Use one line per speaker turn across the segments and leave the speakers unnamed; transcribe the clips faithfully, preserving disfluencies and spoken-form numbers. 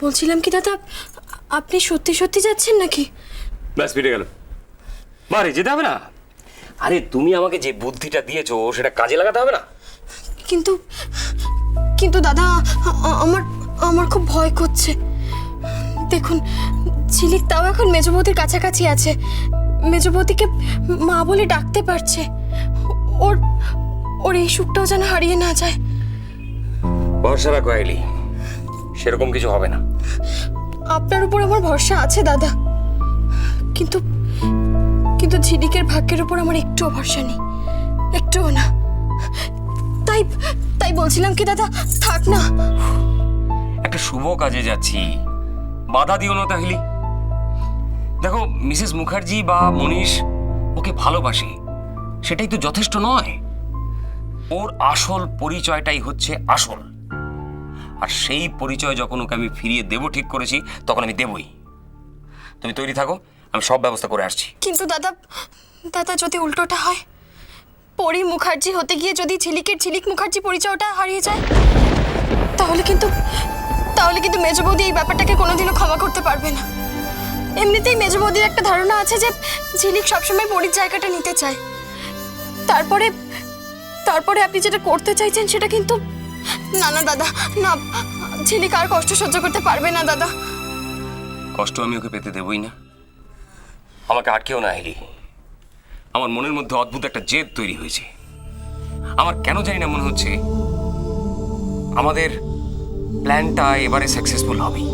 বলছিলাম কি দাদা, আপনি সত্যি সত্যি যাচ্ছেন নাকি?
ব্যাস ফিরে গেল। বাড়ি যেতে হবে না? আরে তুমি আমাকে যে বুদ্ধিটা দিয়েছো সেটা কাজে লাগাতে হবে না?
কিন্তু কিন্তু দাদা, আমার আমার খুব ভয় করছে। দেখুন, ঝিলিক তাও এখন মেজবৌদির কাছাকাছি আছে, মেজবৌদিকে মা বলে ডাকতে পারছে। ওর ওর এই সুখটাও যেন হারিয়ে না যায়।
ভরসা রাখো আইলি, সেরকম কিছু হবে না।
আপনার উপর আমার ভরসা আছে দাদা, কিন্তু কিন্তু ঝিলিকের ভাগ্যের উপর আমার একটুও ভরসা নেই, একটুও না। তাই তাই বলছিলাম কি দাদা, থাক না।
একটা শুভ কাজে যাচ্ছি, বাধা দিও না তাহলে। দেখো, মিসেস মুখার্জি বা মনীষ ওকে ভালোবাসে, সেটাই তো যথেষ্ট নয়। ওর আসল পরিচয়টাই হচ্ছে আসল, আর সেই পরিচয় যখন ওকে আমি ফিরিয়ে দেবো ঠিক করেছি, তখন আমি দেবই। তুমি তৈরি থাকো, আমি সব ব্যবস্থা করে আসছি।
কিন্তু দাদা দাদা যদি উল্টোটা হয়, পরি মুখার্জি হতে গিয়ে যদি ঝিলিকের ঝিলিক মুখার্জি পরিচয়টা হারিয়ে যায়, তাহলে কিন্তু তাহলে কিন্তু মেজবৌদি এই ব্যাপারটাকে কোনোদিনও ক্ষমা করতে পারবে না। এমনিতেই মেজবৌদির একটা ধারণা আছে যে ঝিলিক সবসময় পরির জায়গাটা নিতে চায়। তারপরে তারপরে আপনি যেটা করতে চাইছেন সেটা কিন্তু না না দাদা, না, ঝিলিক আর কষ্ট সহ্য করতে পারবে না দাদা।
কষ্ট আমি ওকে পেতে দেবই না। আমাকে আটকেও না হেলি। আমার মনের মধ্যে অদ্ভুত একটা জেদ তৈরি হয়েছে। আমার কেন জানি না মনে হচ্ছে আমাদের প্ল্যানটা এবারে সাকসেসফুল হবেই।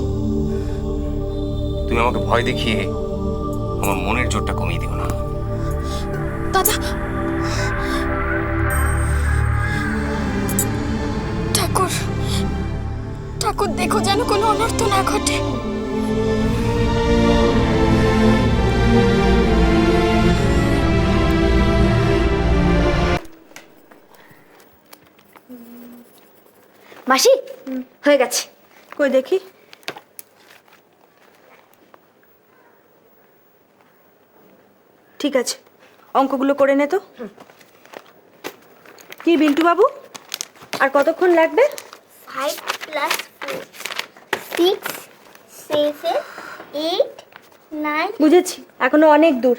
তুমি আমাকে ভয় দেখিয়ে আমার মনের জোরটা কমিয়ে দিও না।
দাদা, ঠাকুর ঠাকুর দেখো যেন কোনো অনর্থ না ঘটে।
মাসি, হয়ে গেছে।
কই দেখি। ঠিক আছে, অঙ্কগুলো করে নে তো। কি বিল্টু বাবু, আর কতক্ষণ লাগবে?
Five plus four six seven eight nine.
বুঝেছি, এখনো অনেক দূর।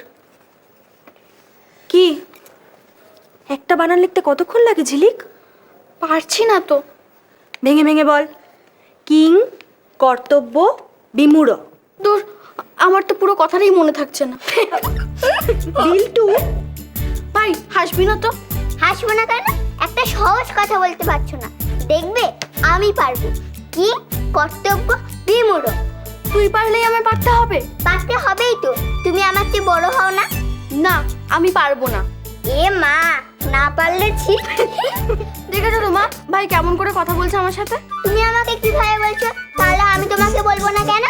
কি একটা বানান লিখতে কতক্ষণ লাগে ঝিলিক?
পারছি না তো।
ভেঙে ভেঙে বল। কিং কর্তব্য বিমূঢ়।
দূর, আমার তো পুরো কথাটাই মনে থাকছে না।
বিল্টু
ভাই, হাসবি না তো।
হাসবো না কেন? একটা সহজ কথা বলতে পারছো না, দেখবে আমি পারবো। কি কর্তব্য বিমূঢ়।
তুই পারলেই আমার পারতে হবে।
পারতে হবেই তো, তুমি আমার চেয়ে বড় হও না।
না, আমি পারবো না।
এ মা, না পারলে ছি।
দেখেছো তো মা, ভাই কেমন করে কথা বলছে আমার সাথে।
তুমি আমাকে কিভাবে বলছো? তাহলে আমি তোমাকে বলবো না কেন?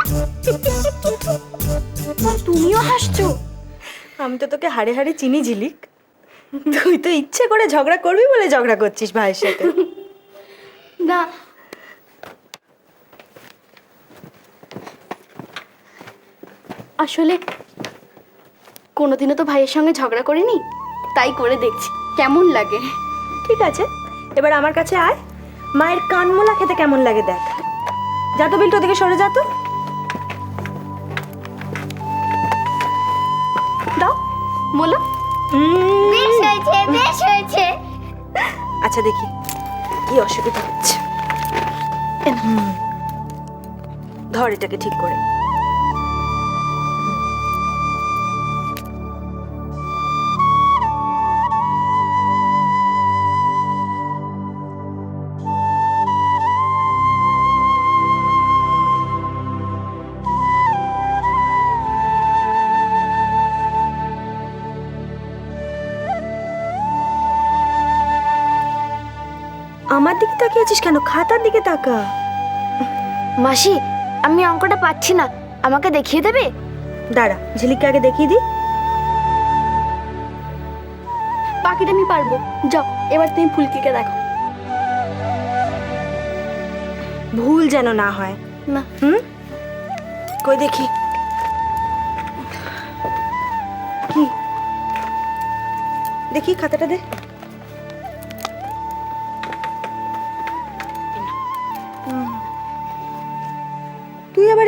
তুমিও হাসছো।
আমি তো তোকে হাড়ে হাড়ে চিনি ঝিলিক। তুই তো ইচ্ছে করে ঝগড়া করবি বলে ঝগড়া করছিস ভাইয়ের সাথে।
না, আসলে কোনোদিনও তো ভাইয়ের সঙ্গে ঝগড়া করিনি, তাই করে দেখছি কেমন লাগে।
ঠিক আছে, এবার আমার কাছে আয়, মায়ের কানমোলা খেতে কেমন লাগে দেখ। যা তো বিল্টু, ওদিকে সরে যা তো।
দাও বলো।
বেশ হয়েছে, বেশ হয়েছে।
আচ্ছা দেখি কি অসুবিধা হচ্ছে। হুম, ধর এটাকে ঠিক করে। আমার দিকে তাকিয়ে আছিস কেন? খাতার দিকে তাকা।
মাসি, আমি অঙ্কটা পাচ্ছি না, আমাকে দেখিয়ে দেবে?
দাঁড়া, ঝিলিককে আগে দেখিয়ে দি।
বাকিটা আমি পারবো। যাও, এবার তুমি ফুলকিকে দেখো।
ভুল যেন না হয়।
না।
হুম, কই দেখি। কি দেখি, খাতাটা দে।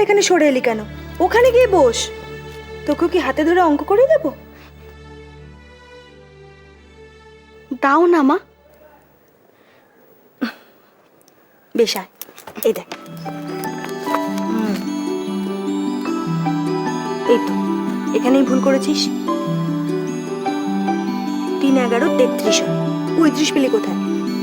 এখানে সরে এলি কেন? ওখানে গিয়ে বস। তোকে কি হাতে ধরে অঙ্ক করে দেবো?
দাও না মা।
বেশ আয়, এই দেখ। হুম। এই তো এখানেই ভুল করেছিস। তিন এগারো তেত্রিশ হয়, পঁয়ত্রিশ পেলি কোথায়?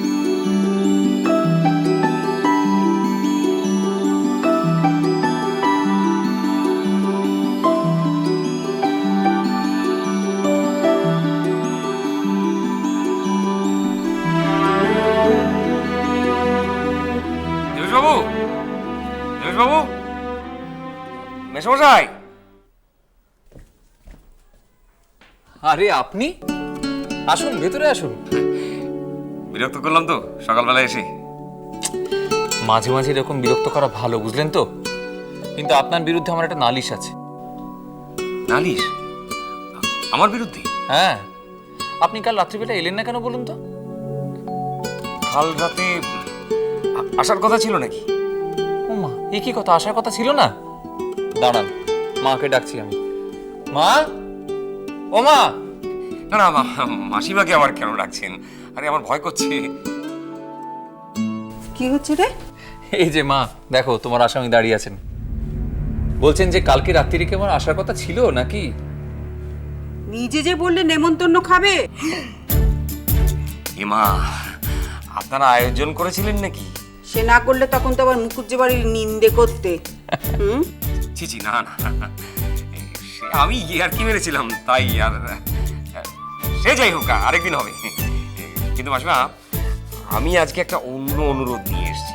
দেবেশবাবু, দেবেশবাবু, মেসমশাই।
আরে আপনি আসুন, ভেতরে আসুন।
বিরক্ত করলাম তো সকালবেলা এসে?
মাঝে মাঝে এরকম বিরক্ত করা ভালো, বুঝলেন তো? কিন্তু আপনার বিরুদ্ধে আমার একটা নালিশ আছে।
নালিশ? আমার বিরুদ্ধে?
হ্যাঁ, আপনি কাল রাত্রিবেলা এলেন না কেন বলুন তো?
কাল রাতে আ- আসার কথা ছিল নাকি?
ও মা, এ কি কথা, আসার কথা ছিল না? দাঁড়ান, মাকে ডাকছি আমি। মা, ও মা।
না না, মা- মাসিমাকে আবার কেন ডাকছেন? আরে আমার ভয় করছে।
কি হচ্ছে রে?
এই যে মা, দেখো তোমার আসামি দাঁড়িয়ে আছেন। বলছেন যে কালকে রাত্রিরে কি আমার আসার কথা ছিল নাকি?
নিজে যে বললে নেমন্তন্ন খাবে।
এমা, আপনারা আয়োজন করেছিলেন নাকি?
সে না করলে তখন তো আবার মুখুজ্জে বাড়ির নিন্দে করতে। হুম?
ছি ছি, না না, সে আমি আর কি মেরেছিলাম তাই। আর সে যাই হোক, আরেকদিন হবে। কিন্তু মাসিমা, আমি আজকে একটা অন্য অনুরোধ নিয়ে এসেছি।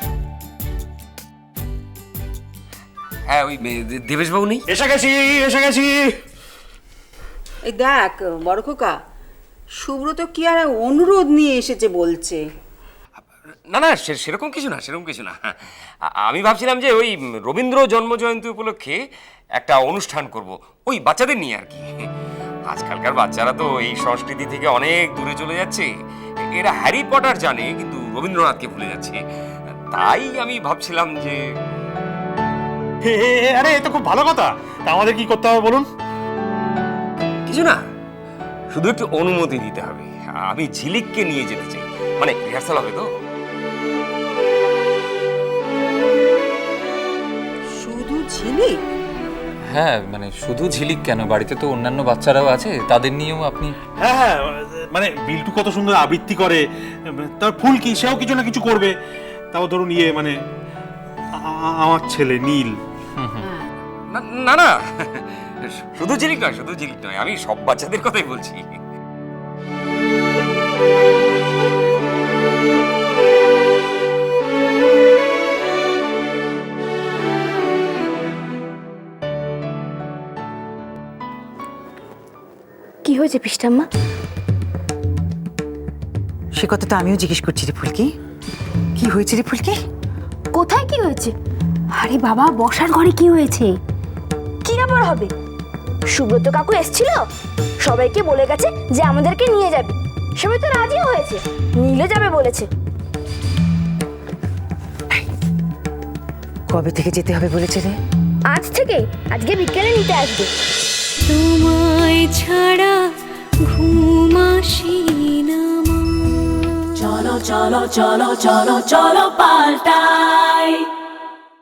হ্যাঁ, ওই দে- দেবেশবাবু নেই?
এসে গেছি এসে গেছি
এই দেখ বড় খোকা, সুব্রত কি আর অনুরোধ নিয়ে এসেছে বলছে।
না না, সে- সেরকম কিছু না, সেরকম কিছু না। আ- আমি ভাবছিলাম যে ওই রবীন্দ্র জন্মজয়ন্তী উপলক্ষে একটা অনুষ্ঠান করব, ওই বাচ্চাদের নিয়ে আর কি। আজকালকার বাচ্চারা তো এই সংস্কৃতি থেকে অনেক দূরে চলে যাচ্ছে। এরা হ্যারি পটার জানে কিন্তু রবীন্দ্রনাথকে ভুলে যাচ্ছে। তাই আমি ভাবছিলাম যে
হে, হে, হে, আরে এ তো খুব ভালো কথা। তা আমাদের কি করতে হবে বলুন?
কিছু না, শুধু একটু অনুমতি দিতে হবে। আমি ঝিলিককে নিয়ে যেতে চাই, মানে রিহার্সাল হবে তো।
শুধু ঝিলি?
হ্যাঁ, মানে শুধু ঝিলিক কেন, বাড়িতে তো অন্যান্য বাচ্চারাও আছে, তাদের নিয়েও আপনি।
হ্যাঁ হ্যাঁ, মানে বিল্টু কত সুন্দর আবৃত্তি করে, তার ফুল কি সেও কিছু না কিছু করবে। তাও ধরুন ইয়ে মানে আ- আমার ছেলে নীল।
না না না, শুধু ঝিলিক নয়, শুধু ঝিলিক নয়, আমি সব বাচ্চাদের কথাই বলছি।
কি হয়েছে পিস্টাম্মা?
সে কথা তো আমিও জিজ্ঞেস করছি রে ফুলকি। কি হয়েছে রে ফুলকি?
কোথায় কি হয়েছে? আরে বাবা, বসার ঘরে কি হয়েছে? কি আবার হবে? সুব্রত কাকু এসেছিল, সবাইকে বলে গেছে যে আমাদেরকে নিয়ে যাবে। সবাই তো রাজি হয়েছে, নীলে যাবে বলেছে।
কবে থেকে যেতে হবে বলেছে রে?
আজ থেকে, আজকে বিকেলে নিতে আসবে।
তোমায় ছাড়া ঘুম আসি না মা। চলো চলো চলো চলো চলো পাল্টাই